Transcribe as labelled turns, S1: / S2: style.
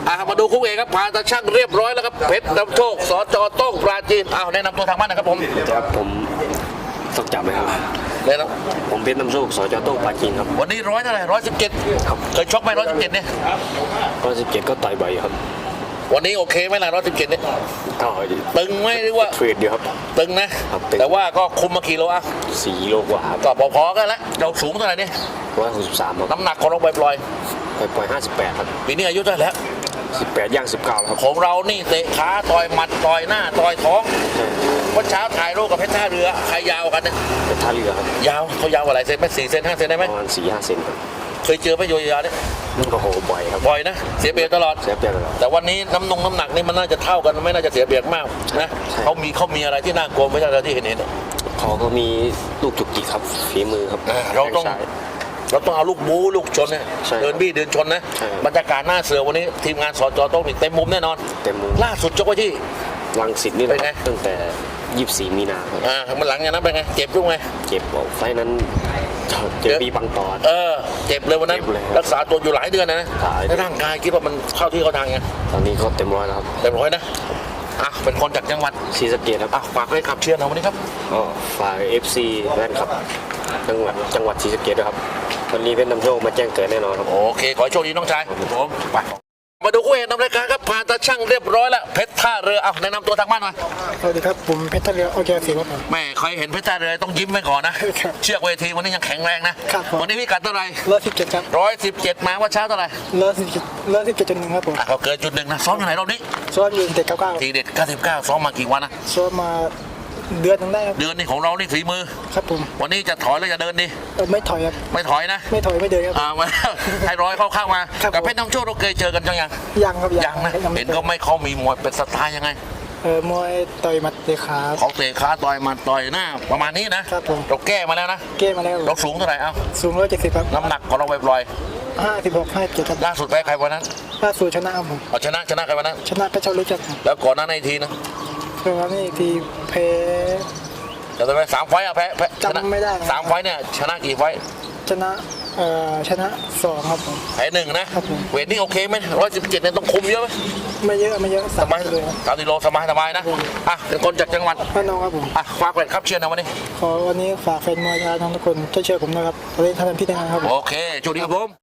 S1: มาดูคู่เอกครับผ่านตาช่างเรียบร้อยแล้วครับเพชรนำโชคสจโต้งปราจีนแนะนำตัวทางบ้านนะครับผม
S2: ครับผมต้องจับไหมครับ
S1: เลยนะ
S2: ผมเพชรน้ำโชคสจโต้งปราจีนครับ
S1: วันนี้100เท่าไหร่117ครับเคยชกไหม117เนี่ย
S2: 117ก็ต่อยบ่อยครับ
S1: วันนี้โอเคไหมล่ะ117เนี่ย
S2: ก็
S1: ตึงไหมหรือว่า
S2: เทรดอยู่ครับ
S1: ตึงนะครับ
S2: ตึง
S1: แต่ว่าก็คุมมากี่โลอ่ะ
S2: 4 โลกว่าครับ
S1: ก็พอๆกันแล้วเราสูงเท่าไหร่เนี่ย
S2: 163ครับ
S1: น้ำหนักของเราปล่อย
S2: ปล่อย58ครับ
S1: ๆปีนี้อายุเท่าไหร่แล้ว
S2: 18ย่าง19แล้วครับ
S1: ของเรานี่เตะขาต่อยหมัดต่อยหน้าต่อยท้องวันเช้าถ่ายรูปกับเพชรท่าเรือใครยาวกันเนี่ย
S2: เป็นท่าเรือครับ
S1: ยาวเขายาวกว่าหลายเซนไหม4 เซน5 เซนได้ไหม
S2: ประมาณ4-5 เซนครับ
S1: เคยเจอไหมโยยาเนี่ย
S2: มันก็โหบ่อยครับ
S1: บ่อยนะเสียเปรียบตลอด
S2: เสียเปรียบเลยครับ
S1: แต่วันนี้น้ำหนักนี่มันน่าจะเท่ากันไม่น่าจะเสียเปรียบมากนะ
S2: ใช่
S1: เขามีอะไรที่น่ากลัวไม่ใช่อะไรที่เห็น
S2: เขาก็มีลูกจุกจิกครับฝีมือครับ
S1: เราต้อง
S2: แข้ซ้ย
S1: เราต้องเอาลูกบู๊ลูกชนเนี่ย
S2: ใช่
S1: เดินบี้เดินชนนะ
S2: ใช่
S1: บรรยากาศหน้าเสือวันนี้ทีมงานสจโต้งนี่เต็มมุมแน่นอน
S2: เต็มมือ
S1: ล่าสุดจกไว้ที่
S2: รังสิตนี่แหละ
S1: เป็นไง
S2: ตั้งแต่24 มีนาครับ
S1: มันหลังจากนั้นเป็นไงเจ็บด้วยไง
S2: เจ็บบอกไฟล์นั้นเจอปีปังตอด
S1: เจ็บเลยวันนั้น
S2: เจ็บเลยครับ
S1: รักษาตัวอยู่หลายเดือนนะ
S2: หลายเดือน
S1: แล้วร่างกายคิดว่ามันเข้าที่เข้าทางไง
S2: ตอนนี้ก็เต็มร้อยแล้วครับ
S1: เต็มร้อยนะเป็นคนจากจังหวัด
S2: ศรีสะเกษครับ
S1: ฝากให้ขับเชียร์เราวันนี้ครับ
S2: ก็ฝาก FC แว่นครับจังหวัดศรีสะเกษด้วยครับวันนี้เป็นนำโชคมาแจ้งเกิดแน่นอนครับ
S1: โอเค ขอให้โชคดีน้องชายผมไปมาดูคู่เอกนำรายการครับผ่านตาช่างเรียบร้อยแล้วเพชรท่าเรือแนะนำตัวทางบ้านหน่อย
S3: สวัสดีครับผมเพชรท่าเรือโอเคสิครับผม
S1: แม่ใครเห็นเพชรท่าเรือต้องยิ้มไว้ก่อนนะ
S3: ครับ
S1: เชือกเวทีวันนี้ยังแข็งแรงนะครับ
S3: ผม
S1: วันนี้พี่กัดเท่าไหร่
S3: 117ครับ
S1: 117มาว่าเช้าเท่าไหร่
S3: 117.1ครับผม
S1: เขาเกินจุดหนึ่งนะซ้อมอยู่ไหนรอบนี้
S3: ซ้อมอยู่เด็ก99
S1: ทีเด็ด99ซ้อมมากี่วันนะ
S3: ซ้อมมาเดือนหนึงได้ครับ
S1: เดือนนี้ของเรานี่ฝีมือ
S3: ครับผม
S1: วันนี้จะถอยแล้วจะเดินดี
S3: ไม่ถอยครับ
S1: ไม่ถอยนะ
S3: ไม่ถอยไม่เดินครับ
S1: มา ให้ร้อยเข้ามา
S3: ครับ
S1: กับเพชรน้ำโชคเราเคยเจอกันจังยัง
S3: ยังครับ
S1: ยังนะเห็นก็ไม่เขามีมวยเป็นสไตล์ยังไง
S3: มวยต่อยหมัดเตะขา
S1: เขาเตะขาต่อยหมัดต่อยหน้าประมาณนี้นะครับ
S3: ผม
S1: เราแก้มาแล้วนะ
S3: เก้มาแล้ว
S1: เราสูงเท่าไหร่เอ้า
S3: สูง170ครับ
S1: น้ำหนักของเราปล่อย
S3: 56 57ครับ
S1: ๆล่าสุดแพ้ใครวันนั้น
S3: ล่าสุดชนะครับผม
S1: เอาชนะใครวันนั้น
S3: ชนะเพชรเจ้าเล็กครับผม
S1: แล้วก่อนหน้านั้นอีกทีนะ
S3: ครั้งนี้อีกทีแพ้
S1: จะได้ไหม3 ไฟต์อะแพ้ชนะ
S3: จำไม่ได้นะ
S1: 3 ไฟต์เนี่ยชนะกี่ไฟต์
S3: ชนะชนะ2ครับผม
S1: แพ้1นะครับ
S3: ผม
S1: เวทนี่โอเคไหม117เนี่ยต้องคุมเยอะไหม
S3: ไม่เยอะ
S1: สบาย
S3: เลยครับ
S1: 30 โลสบายนะเป็นคนจากจังหวัด
S3: พี่น้องครับผม
S1: ฝากแฟนครับเชียร์นะวันนี้
S3: ขอวันนี้ฝากแฟนมวยชาวทุกคนช่วยเชียร์ผมนะครับตอนนี้ทำเป็นพี่ทหารครับผม
S1: โอเคโชคดีครับผม